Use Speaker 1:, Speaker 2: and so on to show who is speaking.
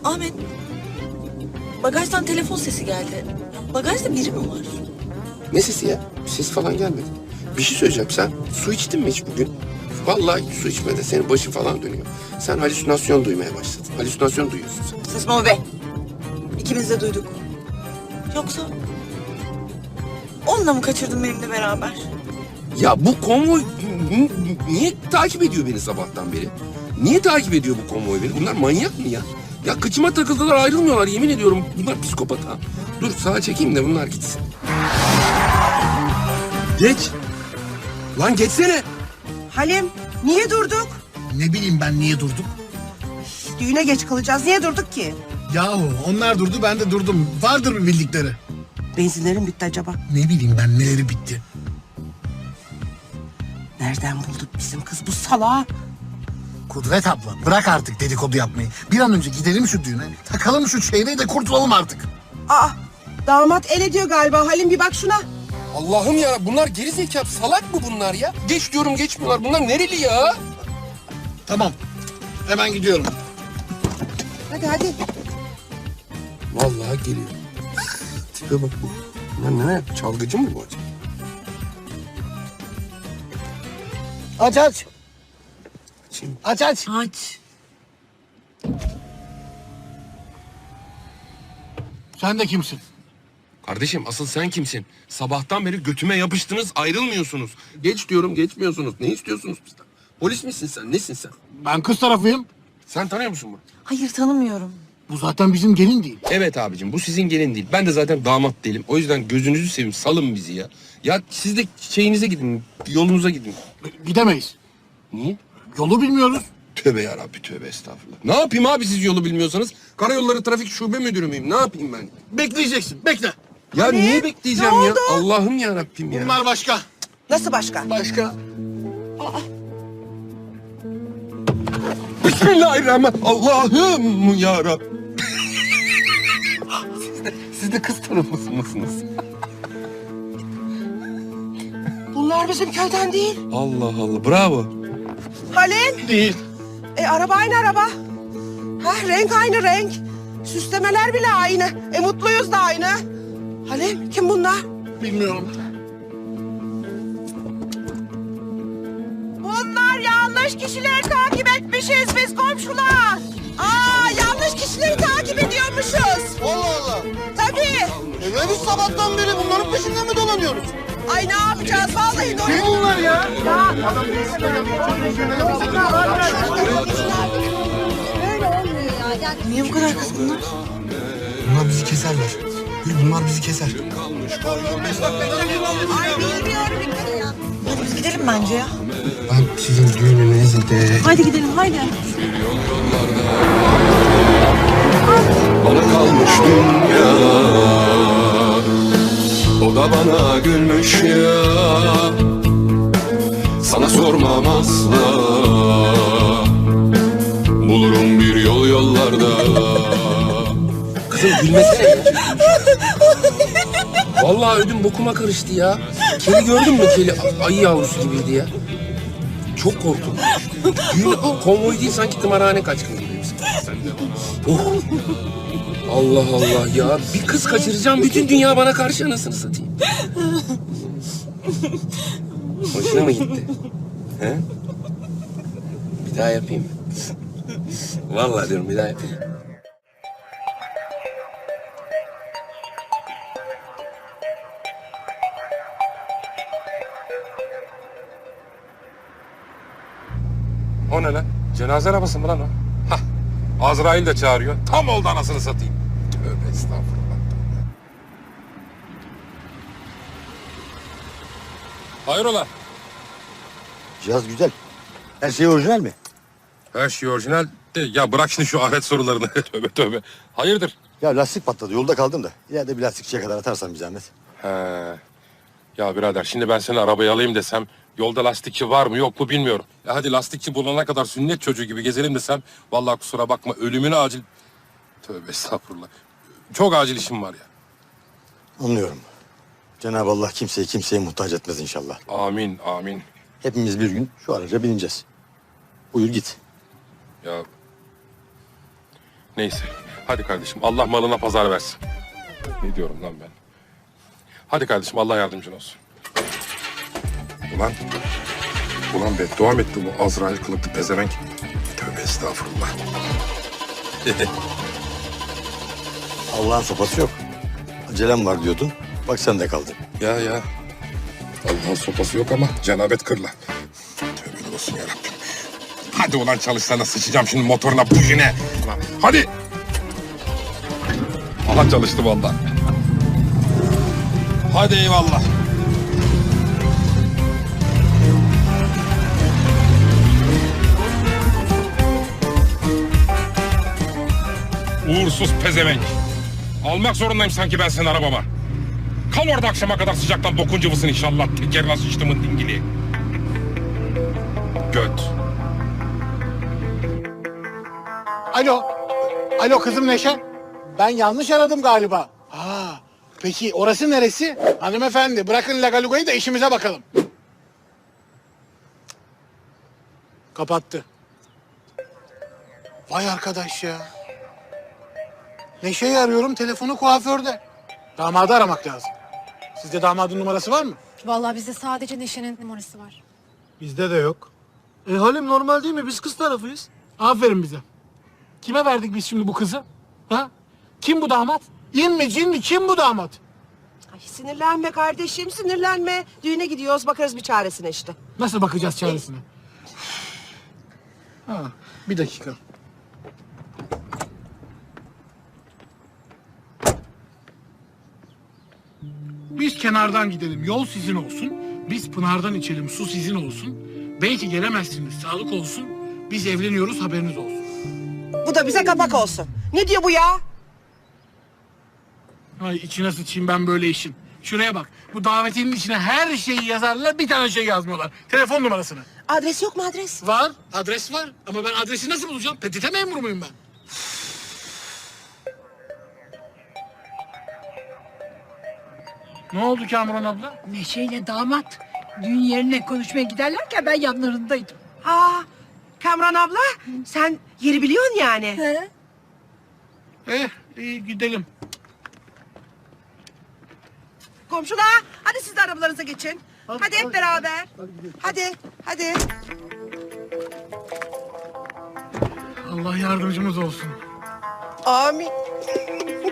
Speaker 1: Ahmet, bagajdan telefon sesi geldi. Bagajda biri mi var?
Speaker 2: Ne sesi ya? Ses falan gelmedi. Bir şey söyleyeceğim. Sen su içtin mi hiç bugün? Vallahi su içmede senin başın falan dönüyor. Sen halüsinasyon duymaya başladın. Halüsinasyon duyuyorsun sen.
Speaker 1: Saçmalama be. İkimiz de duyduk. Yoksa onunla mı kaçırdın benimle beraber?
Speaker 2: Ya bu konvoy niye takip ediyor beni sabahtan beri? Niye takip ediyor bu konvoy beni? Bunlar manyak mı ya? Ya kıçıma takıldılar ayrılmıyorlar yemin ediyorum. Bunlar psikopat ha. Dur sağa çekeyim de bunlar gitsin. Geç. Lan geçsene.
Speaker 3: Halim, niye durduk?
Speaker 4: Ne bileyim ben niye durduk?
Speaker 3: Düğüne geç kalacağız. Niye durduk ki?
Speaker 4: Yahu onlar durdu ben de durdum. Vardır bir bildikleri.
Speaker 3: Benzinlerin bitti acaba.
Speaker 4: Ne bileyim ben neleri bitti.
Speaker 3: Nereden bulduk bizim kız bu salağı?
Speaker 4: Kudret abla bırak artık dedikodu yapmayı. Bir an önce gidelim şu düğüne. Takalım şu çeyreği de kurtulalım artık.
Speaker 3: Aa, damat el ediyor galiba. Halim bir bak şuna.
Speaker 2: Allah'ım ya bunlar geri zekalı salak mı bunlar ya? Geç diyorum geçmiyorlar. Bunlar nereli ya?
Speaker 4: Tamam. Hemen gidiyorum.
Speaker 3: Hadi hadi.
Speaker 2: Vallahi geliyor. Tipe bak bu. Bunlar ne yap? Çalgıcı mı bu acaba?
Speaker 4: Aç aç.
Speaker 2: Açayım.
Speaker 4: Aç aç.
Speaker 1: Aç.
Speaker 4: Sen de kimsin?
Speaker 2: Kardeşim asıl sen kimsin? Sabahtan beri götüme yapıştınız ayrılmıyorsunuz. Geç diyorum geçmiyorsunuz. Ne istiyorsunuz bizden? Polis misin sen? Nesin sen?
Speaker 4: Ben kız tarafıyım.
Speaker 2: Sen tanıyor musun bunu?
Speaker 1: Hayır, tanımıyorum.
Speaker 4: Bu zaten bizim gelin değil.
Speaker 2: Evet abicim bu sizin gelin değil. Ben de zaten damat değilim. O yüzden gözünüzü seveyim salın bizi ya. Ya siz de şeyinize gidin, yolunuza gidin.
Speaker 4: Gidemeyiz.
Speaker 2: Niye?
Speaker 4: Yolu bilmiyoruz.
Speaker 2: Tövbe yarabbi tövbe estağfurullah. Ne yapayım abi siz yolu bilmiyorsanız? Karayolları Trafik Şube Müdürü müyüm? Ne yapayım ben?
Speaker 4: Bekleyeceksin. Bekle.
Speaker 2: Ya niye bekleyeceğim
Speaker 3: Ne
Speaker 2: ya?
Speaker 3: oldu?
Speaker 2: Allah'ım yarabbim ya.
Speaker 4: Bunlar başka.
Speaker 3: Nasıl başka?
Speaker 4: Başka.
Speaker 2: Bismillahirrahmanirrahim. Allah'ım yarabbim. siz de kız tarafı mısınız?
Speaker 3: Bunlar bizim köyden değil.
Speaker 2: Allah Allah bravo.
Speaker 3: Halim.
Speaker 4: Değil.
Speaker 3: Araba aynı araba. Ha, renk aynı renk. Süslemeler bile aynı. Mutluyuz da aynı. Halim, kim bunlar?
Speaker 4: Bilmiyorum.
Speaker 3: Bunlar yanlış kişileri takip etmişiz biz komşular. Aa, yanlış kişileri takip ediyormuşuz.
Speaker 4: Allah Allah.
Speaker 3: Tabii.
Speaker 4: Biz sabahtan beri bunların peşinden mi dolanıyoruz?
Speaker 3: Ay ne yapacağız vallahi doğru.
Speaker 4: Kim bunlar ya?
Speaker 3: Böyle olmuyor ya. Yani
Speaker 1: Niye bu kadar kızgınlar?
Speaker 4: Bunlar bizi keserler. Bunlar bizi keser.
Speaker 3: ay bilmiyorum ya.
Speaker 1: Hadi biz gidelim bence ya.
Speaker 4: Ben sizin düğününüze de...
Speaker 1: Haydi gidelim, haydi.
Speaker 5: Bana kalmış dünya, o da bana gülmüş ya. Sana sormam asla, bulurum bir yol yollarda.
Speaker 2: Kızım gülmesene ya. Vallahi ödüm bokuma karıştı ya. Keli gördün mü keli? Ayı yavrusu gibiydi ya. Çok korktum. Düğün konvoy değil sanki tımarhane kaçkını gibi. Oh. Allah Allah ya. Bir kız kaçıracağım bütün dünya bana karşı anasını satayım. Hoşuna mı gitti? He? Bir daha yapayım mı? Vallahi diyorum bir daha yapayım.
Speaker 6: O ne lan? Cenaze arabası mı lan o? Hah. Azrail de çağırıyor. Tam oldu anasını satayım. Tövbe estağfurullah. Hayrola?
Speaker 7: Cihaz güzel. Her şey orijinal mi?
Speaker 6: Her şey orijinal de ya bırak şimdi şu ahiret sorularını. Tövbe tövbe. Hayırdır?
Speaker 7: Ya lastik patladı. Yolda kaldım da. İleride bir lastikçiye kadar atarsan bir zahmet.
Speaker 6: He. Ya birader şimdi ben seni arabaya alayım desem yolda lastikçi var mı yok mu bilmiyorum. Ya hadi lastikçi bulana kadar sünnet çocuğu gibi gezelim desem vallahi kusura bakma ölümüne acil. Tövbe estağfurullah. Çok acil işim var ya.
Speaker 7: Anlıyorum. Cenab-ı Allah kimseyi kimseye muhtaç etmez inşallah.
Speaker 6: Amin amin.
Speaker 7: Hepimiz bir gün şu araca bineceğiz. Buyur git.
Speaker 6: Ya neyse Hadi kardeşim Allah malına pazar versin. Ne diyorum lan ben? Hadi kardeşim Allah yardımcın olsun. Ulan beddua mı etti bu Azrail kılıklı pezevenk? Tövbe estağfurullah.
Speaker 7: Allah'ın sopası yok. Acelem var diyordun. Bak sen de kaldın.
Speaker 6: Ya. Allah'ın sopası yok ama cenabet kırla. Tövbe olsun yarabbim. Hadi ulan çalışsana sıçacağım şimdi motoruna bujine. Ulan hadi. Aha çalıştı vallahi. Hadi eyvallah. Uğursuz pezevenk. Almak zorundayım sanki ben senin arabama. Kal orada akşama kadar sıcaktan bokun cıvısın inşallah. Tekerine sıçtımın dingili. Göt.
Speaker 8: Alo kızım Neşe. Ben yanlış aradım galiba. Peki orası neresi? Hanımefendi bırakın Lagaluga'yı da işimize bakalım. Kapattı. Vay arkadaş ya. Neşe'yi arıyorum, telefonu kuaförde. Damadı aramak lazım. Sizde damadın numarası var mı?
Speaker 9: Vallahi bizde sadece Neşe'nin numarası var.
Speaker 8: Bizde de yok. Halim normal değil mi? Biz kız tarafıyız. Aferin bize. Kime verdik biz şimdi bu kızı? Ha? Kim bu damat? İn mi cin mi? Kim bu damat?
Speaker 3: Ay, sinirlenme kardeşim, sinirlenme. Düğüne gidiyoruz, bakarız bir çaresine işte.
Speaker 8: Nasıl bakacağız çaresine? Bir dakika. Biz kenardan gidelim, yol sizin olsun. Biz pınardan içelim, su sizin olsun. Belki gelemezsiniz, sağlık olsun. Biz evleniyoruz, haberiniz olsun.
Speaker 3: Bu da bize kapak olsun. Ne diyor bu ya?
Speaker 8: Ay içine sıçayım ben böyle işin. Şuraya bak, bu davetinin içine her şeyi yazarlar, bir tane şey yazmıyorlar. Telefon numarasını.
Speaker 3: Adres yok mu adres?
Speaker 8: Var, adres var. Ama ben adresi nasıl bulacağım? PTT memuru muyum ben? Ne oldu Kamuran abla?
Speaker 10: Neşe'yle damat düğün yerine konuşmaya giderlerken ben yanlarındaydım.
Speaker 3: Kamran abla, sen yeri biliyorsun yani.
Speaker 8: İyi gidelim.
Speaker 3: Komşular, hadi siz de arabalarınıza geçin. Hadi hep beraber. Hadi.
Speaker 8: Allah yardımcımız olsun.
Speaker 3: Amin.